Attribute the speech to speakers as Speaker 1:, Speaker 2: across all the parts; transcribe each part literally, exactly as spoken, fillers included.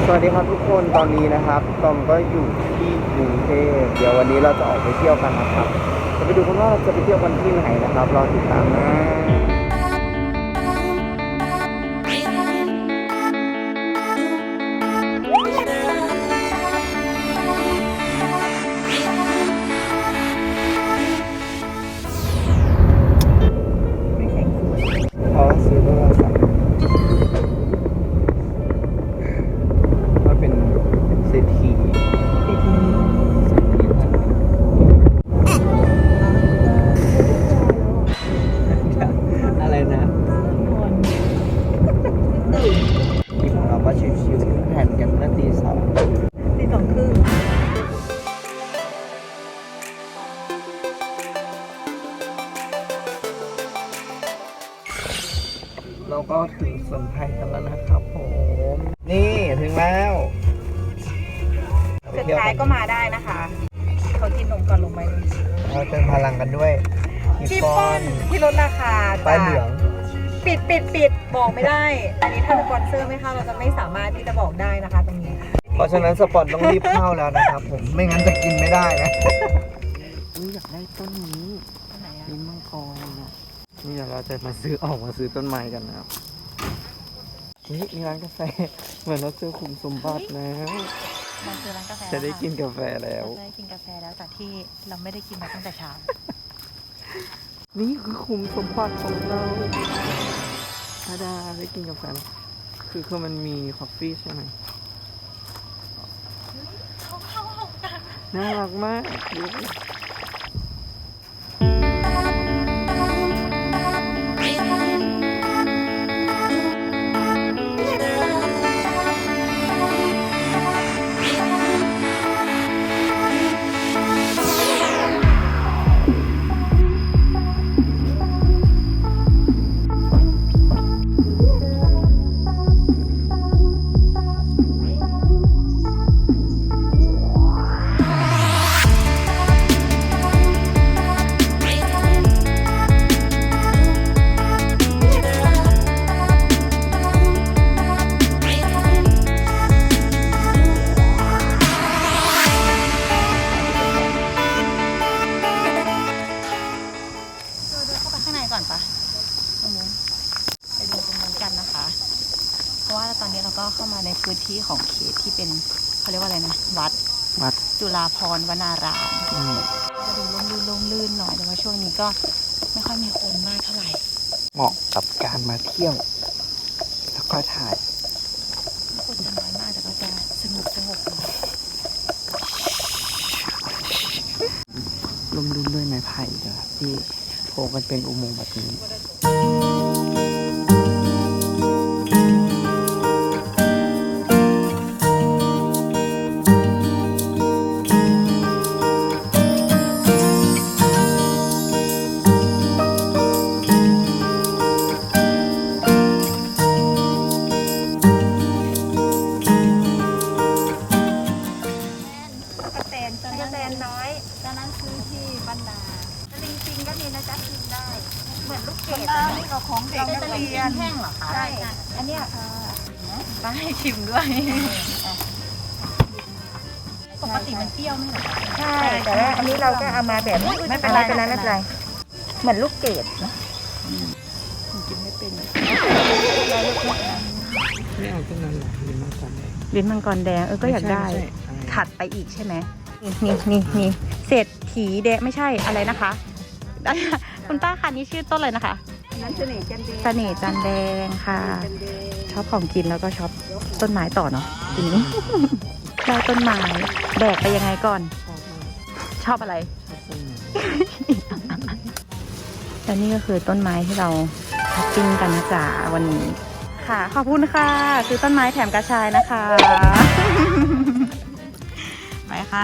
Speaker 1: วัสดีครับทุกคนตอนนี้นะครับตอมก็อยู่ที่กรุงเทพเดี๋ยววันนี้เราจะออกไปเที่ยวกันนะครับจะไปดูกันว่าเราจะไปเที่ยวกันที่ไหนนะครับรอติดตามนะขอซื้อโทรศัพท์เป็นเศรษฐีเศรษฐีอะไรนะที่ของเราก็ชิวๆแผ่นกันเมื่อตีสอง
Speaker 2: ตีสองครึ่ง
Speaker 1: เราก็ถึงสวนไผ่กันแล้วนะครับผมนี่ถึงแล้ว
Speaker 2: สุดท้ายก็มาได้นะคะเขากินนมก่อนลงไป
Speaker 1: เราเติมพลังกันด้วย
Speaker 2: ชิฟฟ่อนที่ลดราคา
Speaker 1: ป้ายเหลือง
Speaker 2: ปิดปิดปิดบอกไม่ได้อันนี้ถ้าสปอนเซอร์ไม่เข้าเราจะไม่สามารถที่จะบอกได้นะคะตรงนี้
Speaker 1: เพราะฉะนั้นสปอนต้องรีบเข้าแล้วนะครับผมไม่งั้นจะกินไม่ได้นะนี่อยากได้ต้นนี้ลิ้นมังกรนะนี่เดี๋ยวเราจะมาซื้อออกมาซื้อต้นไม้กันนะครับนี่มีร้านกาแฟเหมือนเราเจอขุมสมบัติแล้ว
Speaker 2: เราเจอร้านกาแฟ
Speaker 1: จะได้กินกาแฟแล้ว
Speaker 2: จะได้กินกาแฟแล้วจากที่เราไม่ได้กินมาตั้งแต่เช้า
Speaker 1: นี่คือขุมสมบัติของเราถ้าได้ได้กินกาแฟแล้วคือคือมันมีคอฟฟี่ใช่ไหมน่ารักมากดู
Speaker 2: ก่อนปะตรงนู้นไปดูตรงนู้นกันนะคะเพราะว่าตอนนี้เราก็เข้ามาในพื้นที่ของเขตที่เป็นเขาเรียกว่าอะไรนะวัด
Speaker 1: วัด
Speaker 2: จุฬาภรณ์วนารามจะดูร่มรื่นร่มรื่นหน่อยแต่ว่าช่วงนี้ก็ไม่ค่อยมีคนมากเท่าไหร่
Speaker 1: เหมาะกับการมาเที่ยวแล้วก็ถ่าย
Speaker 2: คนจะน้อยมากแต่ก็จะสนุกสงบ
Speaker 1: ร่มรื่นด้วยไม้ไผ่นะครับที่โผล่กันเป็นอุโมงค์แบบนี้
Speaker 2: กระแตนกระแตนน้อยตอนนั้นซื้อที่บรรดาจริงๆก็มีนะจ๊ะกินได้เหมือนลูกเกดนี่เราของเด็กนักเรียนแห้งเหรอคะใช่อันนี้ค่ะต้องให้ชิมด้วยปกติมันเปรี้ยวไม่เหรอใช่แต่ว่าอันนี้เราก็เอามาแบบไม่เป็นไรไม่เป็นไรไม่เป็นไรเหมือนลูกเกดนะกินไม่เป็น
Speaker 1: ไม่เอาต้นนั้นหรอลิ้นมังกรแดง
Speaker 2: ลิ้นมังกรแดงเออก็อยากได้ถัดไปอีกใช่ไหมนี่นี่นี่เศรษฐีแดงไม่ใช่อะไรนะคะคุณป้าค่ะนี่ชื่อต้นอะไรนะคะ
Speaker 3: นั้นเสน่ห์จันแดง
Speaker 2: เสน่ห์จันแดงค่ะชอบของกินแล้วก็ชอบต้นไม้ต่อเนาะทีนี้ได้ต้นไม้แบกไปยังไงก่อนชอบอะไรและนี่ก็คือต้นไม้ที่เราช้อปปิ้งกันนะจ๊ะวันนี้ค่ะขอบคุณค่ะคือต้นไม้แถมกระชายนะคะไปค่ะ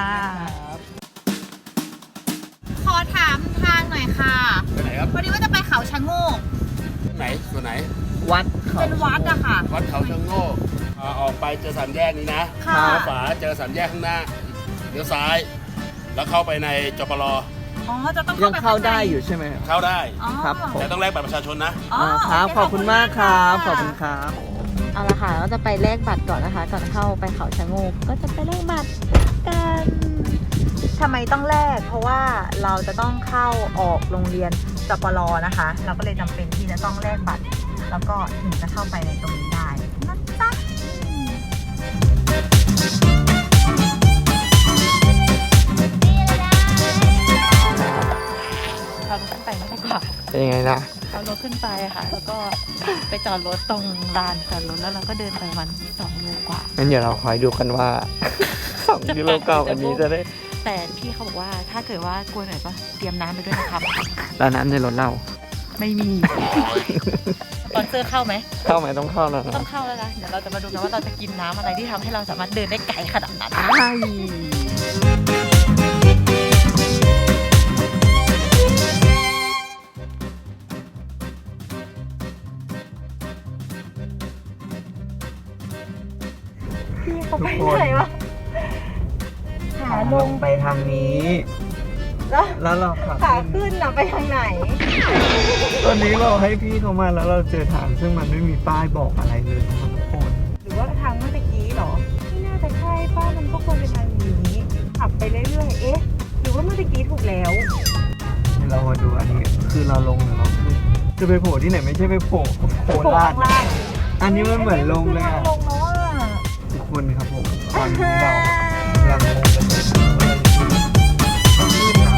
Speaker 2: ขอถามทางหน่อยค่ะ
Speaker 4: ไปไหนครับ
Speaker 2: พอดีว่าจะไปเขาชะโงก
Speaker 4: ไหนส่วนไหน
Speaker 1: วัด
Speaker 2: เป็นวัดอะค่ะ
Speaker 4: วัดเขาชะโงกออกไปเจอสามแยกนี้นะขวาเจอสามแยกข้างหน้าเลี้ยวซ้ายแล้วเข้าไปในจปร.
Speaker 2: อ๋อจะต้อง
Speaker 1: ยังเข้าได้อยู่ใช่ไหม
Speaker 4: เข้าได้
Speaker 1: ครับ
Speaker 4: แต่ต้องแลกบัตรประชาชนนะ
Speaker 1: อ๋อครับขอบคุณมากครับขอบคุณครับ
Speaker 2: เอาละค่ะเราจะไปแลกบัตรก่อนนะคะ ก่อนเข้าไปเขาชะโงกก็จะไปแลกบัตรกันทำไมต้องแลกเพราะว่าเราจะต้องเข้าออกโรงเรียนจปรนะคะ เราก็เลยจำเป็นที่จะต้องแลกบัตร แล้วก็ถึงจะเข้าไปในตรงนี้ได้นะจ๊ะเราขึ้นไปไม่ได้กว่า
Speaker 1: เป็นยังไงนะ
Speaker 2: เอารถขึ้นไปค่ะ แล้วก็ไปจอดรถตรงลานจอดรถแล้วเราก็เดินไปประมันสองโลกว่า
Speaker 1: งั้นเดี๋ยวเราคอยดูกันว่า สองกิโลกรัมอันนี้จะได้
Speaker 2: แต่พี่เขาบอกว่าถ้าเกิดว่ากลัวหน่อยก็เตรียมน้ำไปด้วยนะครับ
Speaker 1: แล้วน้ำในรถเรา
Speaker 2: ไม่มี สปอนเซอร์เข้าไหม
Speaker 1: เข้าไหมต้องเข้าแล้วนะ
Speaker 2: ต้องเข้าแล้วนะเดี๋ยวเราจะมาดูกันว่าเราจะกินน้ำอะไรที่ทำให้เราสามารถเดินได้ไกลขนาดนั้น
Speaker 1: ใช่
Speaker 2: พี่เขาไปไหนวะขาลง
Speaker 1: ไปทางนี้
Speaker 2: แล้ว
Speaker 1: แล้วเราขับ
Speaker 2: ขา
Speaker 1: ขึ้น
Speaker 2: ขึ้นน่ะไปทางไหน
Speaker 1: ตอนนี้เราให้พี่เขามาแล้วเราเจอทางซึ่งมันไม่มีป้ายบอกอะไรเลยนะครับทุกคน
Speaker 2: หรือว่าทางเมื่อกี้เหรอไม่น่าจะใช่ป้ามันก็ควรเป็นทางนี้ขับไปเรื่อยๆเอ๊ะหรือว่าเมื่อกี้ถูกแล้ว
Speaker 1: เรามาดูอันนี้คือเราลงหรือเราขึ้นจะไปโผล่ที่ไหนไม่ใช่ไปโผล่โคราช
Speaker 2: ล่าง
Speaker 1: อันนี้มันเหมือนลงเลยอะ
Speaker 2: ลงแล้วอ่ะ
Speaker 1: ทุกคนครับผมตอนนี้เรากำลังลงกันอยู่ว่าเราจะขึ้นนะ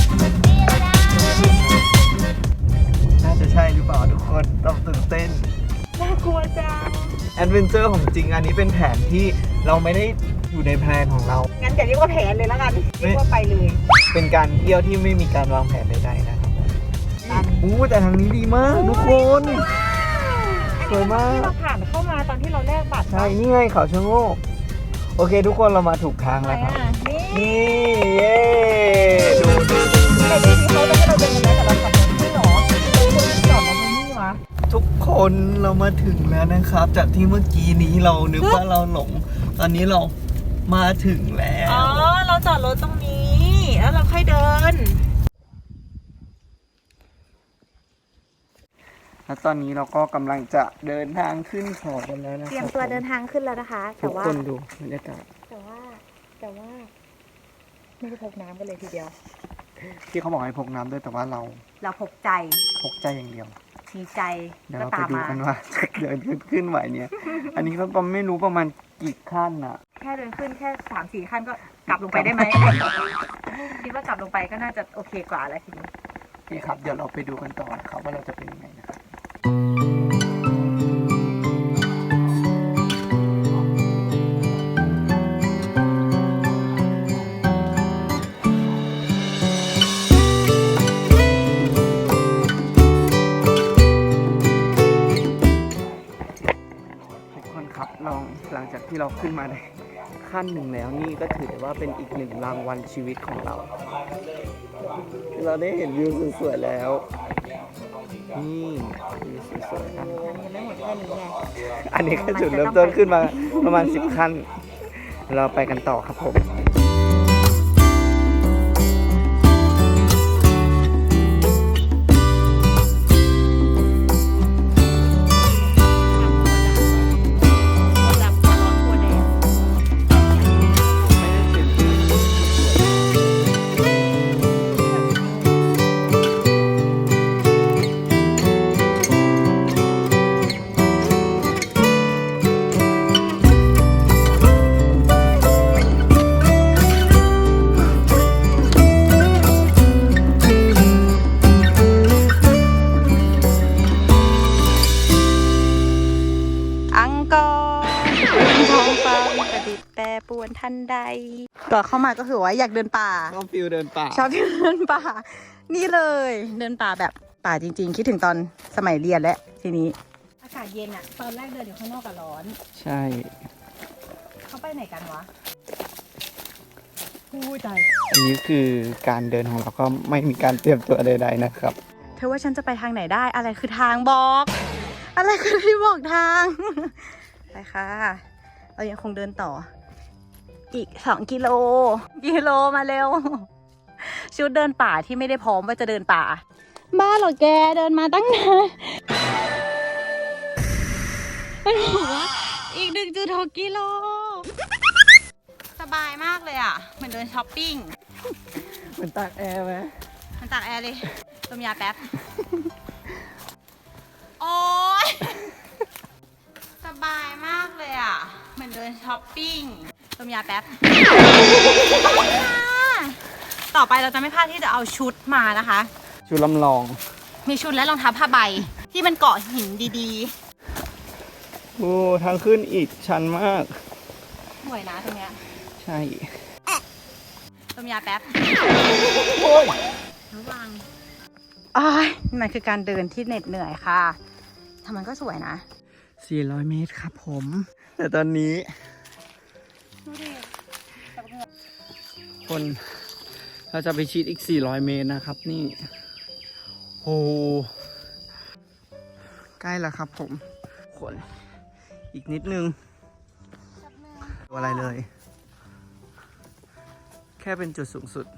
Speaker 1: น่าจะใช่หรือเปล่าทุกคนต้องตื่นเต้น
Speaker 2: น่ากลัวจัง
Speaker 1: แอดเวนเจอร์ของจริงอันนี้เป็นแผนที่เราไม่ได้อยู่ในแพลนของเรา
Speaker 2: งั้นอย่าเรียกว่าแผนเลยแล้วกันเรียกว่าไปเลย
Speaker 1: เป็นการเที่ยวที่ไม่มีการวางแผนใดๆนะครับอู้แต่ทางนี้ดีมากทุกคน สวยมาก
Speaker 2: ที่เราผ่านเข้ามาตอนที่เราแลกบัตร
Speaker 1: ใช่ นี่ไงเขาชะโงกโอเคทุกคนเรามาถูกทางแล้วครับ
Speaker 2: นี่
Speaker 1: นี่เย้ดูดู
Speaker 2: แต่จริงๆเขาจะให้เราเดินกันไหมแต่เราขับรถไม่หรอเราควรจอดรถตรงนี้วะ
Speaker 1: ทุกคนเรามาถึงแล้วนะครับ จากที่เมื่อกี้นี้เรานึกว่าเราหลง ตอนนี้เรามาถึงแล้ว
Speaker 2: อ๋อเราจอดรถตรงนี้แล้วเราค่อยเดิน
Speaker 1: แล้วตอนนี้เราก็กำลังจะเดินทางขึ้นเขากันแล้วนะค
Speaker 2: เตรีย
Speaker 1: รั
Speaker 2: ม
Speaker 1: บ
Speaker 2: ตัวเดินทางขึ้นแล้วนะคะ
Speaker 1: ทุ
Speaker 2: แต่
Speaker 1: ก
Speaker 2: ว่า
Speaker 1: คนดูบรรยากาศ
Speaker 2: แต่ว่าแต่ว่าไม่ได้พกน้ำกันเลยทีเดียว
Speaker 1: ที่เขาบอกให้พกน้ำด้วยแต่ว่าเรา
Speaker 2: เราพกใจ
Speaker 1: พกใจอย่างเดียว
Speaker 2: มีใจ
Speaker 1: เดี๋ยว
Speaker 2: ก็
Speaker 1: เราไป
Speaker 2: ตาม
Speaker 1: ดู
Speaker 2: มา
Speaker 1: กันว่า จะเดินขึ้นขึ้นไหวเนี่ย อันนี้ก็ไม่รู้ประมาณกี่ขั้นอ่ะ
Speaker 2: แค่เดินขึ้นแค่สามสี่ขั้นก็กลับลงไปได้ไหม คิดว่ากลับลงไปก็น่าจะโอเคกว่าแล้วทีนี้
Speaker 1: โอเคครับ เดี๋ยวเราไปดูกันต่อนะครับว่าเราจะเป็นยังไงนะครับทุกคนครับลองหลังจากที่เราขึ้นมาได้ขั้นหนึ่งแล้วนี่ก็ถือได้ว่าเป็นอีกหนึ่งรางวัลชีวิตของเรา เราได้เห็นวิวสวยๆแล้ว นี่วิวสวยๆนะ
Speaker 2: ยังไม่หมดแค่นี้ไง
Speaker 1: อันนี้ก็จุดเริ่มต้นขึ้นมาประมาณสิบขั้น เราไปกันต่อครับผม
Speaker 2: อังกอร์ท้องฟ้ามีประดิษฐ์แปรปรวนทันใดก่อนเข้ามาก็คือว่าอยากเดินป่า
Speaker 1: ชอบฟิลเดินป่า
Speaker 2: ชอบเดินป่า นี่เลย เดินป่าแบบป่าจริงๆ คิดถึงตอนสมัยเรียนแล้วทีนี้ อากาศเย็นอะตอนแรกเดินอยู่ข้างนอกกับร้อน
Speaker 1: ใช่
Speaker 2: เขาไปไหนกันวะพูดใจ
Speaker 1: อันนี้คือการเดินของเราก็ไม่มีการเตรียมตัวใดๆนะครับ
Speaker 2: เธอว่าฉันจะไปทางไหนได้ อะไรคือทางบอก อะไรคือที่บอกทาง ไปค่ะ เรายังคงเดินต่อ อีกสองกิโล กิโลมาเร็ว ชุดเดินป่าที่ไม่ได้พร้อมว่าจะเดินป่า บ้าเหรอแกเดินมาตั้งนานมันบอกว่าหนึ่งจุดหกกิโลสบายมากเลยอ่ะเหมือนเดินช้อปปิ้ง
Speaker 1: เหมือนตากแอร์ไหม
Speaker 2: มันตากแอร์เลยต้มยาแป๊บ โอ๊ยสบายมากเลยอ่ะเหมือนเดินช้อปปิ้งต้มยาแป๊บ ต่อไปเราจะไม่พลาดที่จะเอาชุดมานะคะ
Speaker 1: ชุดลำลอง
Speaker 2: มีชุดและรองเท้าผ้าใบที่มันเกาะหินดี
Speaker 1: โอ้ทางขึ้นอีกชันมาก
Speaker 2: ๆสวยนะตรงเนี้ย
Speaker 1: ใช่
Speaker 2: ต้มยาแป๊บ
Speaker 1: โอ้ย
Speaker 2: ระวังอ้ายมันคือการเดินที่เหน็ดเหนื่อยค่ะทำมันก็สวยนะ
Speaker 1: สี่ร้อยเมตรครับผม แต่ตอนนี้
Speaker 2: ดูดิ
Speaker 1: คนเราจะไปชิดอีกสี่ร้อยเมตรนะครับนี่โอ้ใกล้แล้วครับผมคนอีกนิดนึงตัวอะไรเลย แค่เป็นจุดสูงสุด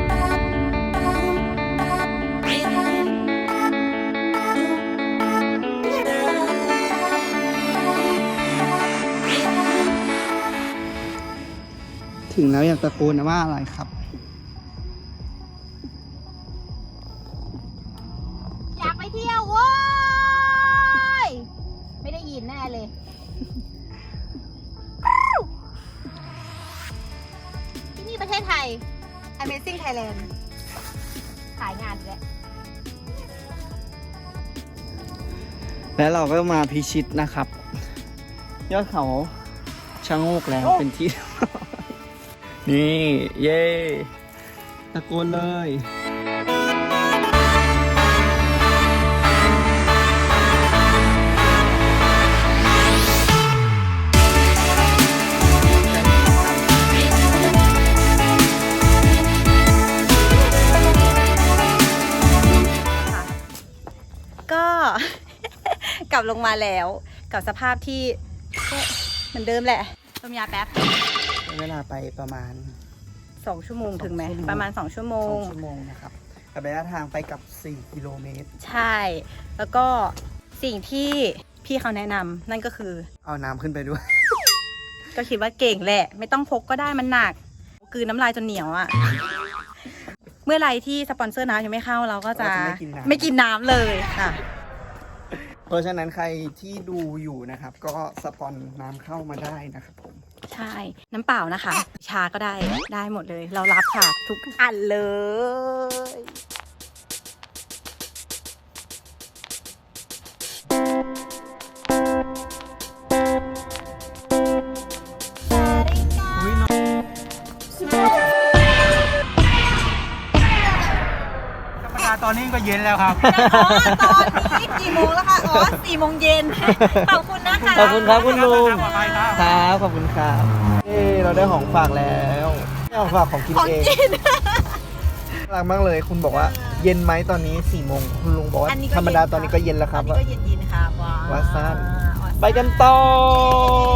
Speaker 1: ถึงแล้วอยากตะโกนนะว่าอะไรครับ
Speaker 2: อยากไปเที่ยวเว้ยไม่ได้ยินแน่เลย ที่นี่ประเทศไทย Amazing Thailand ขายงานเลย
Speaker 1: แล้วเราก็มาพิชิตนะครับ ยอดเขาชะโงกแล้วเป็นที่ นี่ เย่ตะโกนเลย
Speaker 2: ก็ กลับลงมาแล้วกับสภาพที่ก็เหมือนเดิมแหละต้มยาแป๊บ
Speaker 1: ใช้เวลาไปประมาณ
Speaker 2: สองชั่วโมงถึงไหม
Speaker 1: สองชั่วโมง
Speaker 2: ประมาณสองชั่วโม
Speaker 1: สอง งชั่วโมงนะครับกับระยะทางไปกับสี่กิโลเมตร
Speaker 2: ใช่ แล้วก็สิ่งที่พี่เขาแนะนำนั่นก็คือ
Speaker 1: เอาน้ำขึ้นไปด้วย
Speaker 2: ก็คิดว่าเก่งแหละ ไม่ต้องพกก็ได้มันหนักกลืนน้ำลายจนเหนียวอะ่ะ เมื่อไรที่สปอนเซอร์น้ำยังไม่เข้าเราก็จะ
Speaker 1: เราจะไม่กินน้ำ
Speaker 2: ไม่กินน้ำเลยค่ะ
Speaker 1: เพราะฉะนั้นใครที่ดูอยู่นะครับ ก็สปอนน้ำเข้ามาได้นะครับผม
Speaker 2: ใช่ น้ำเปล่านะคะ ชาก็ได้ได้หมดเลย เรารับค่ะ ทุกอันเลย
Speaker 1: ธรรมดาตอนนี้ก็เย็นแล้วครับ
Speaker 2: อ๋อตอนนี้กี่โมงแล้วคะ อ๋อสี่โมงเย็น ขอบคุณนะคะ
Speaker 1: ขอบคุณครับคุณลุงครับขอบคุณครับเอ้เราได้ของฝากแล้วได้ของฝากของกิน
Speaker 2: ของ
Speaker 1: เอง
Speaker 2: กิน
Speaker 1: น่ารักมากเลยคุณบอกว่าเย็นไหมตอนนี้สี่โมงคุณลุงบอกว่า
Speaker 2: อันนี้ก็
Speaker 1: ธรรมดา
Speaker 2: เย็น
Speaker 1: ตอนนี้ก็เย็นแล้วครับ
Speaker 2: อันนี้ก็เย็นๆค่ะว้าว
Speaker 1: ว่าสั้น
Speaker 2: ว้าว
Speaker 1: ไปกันต่อ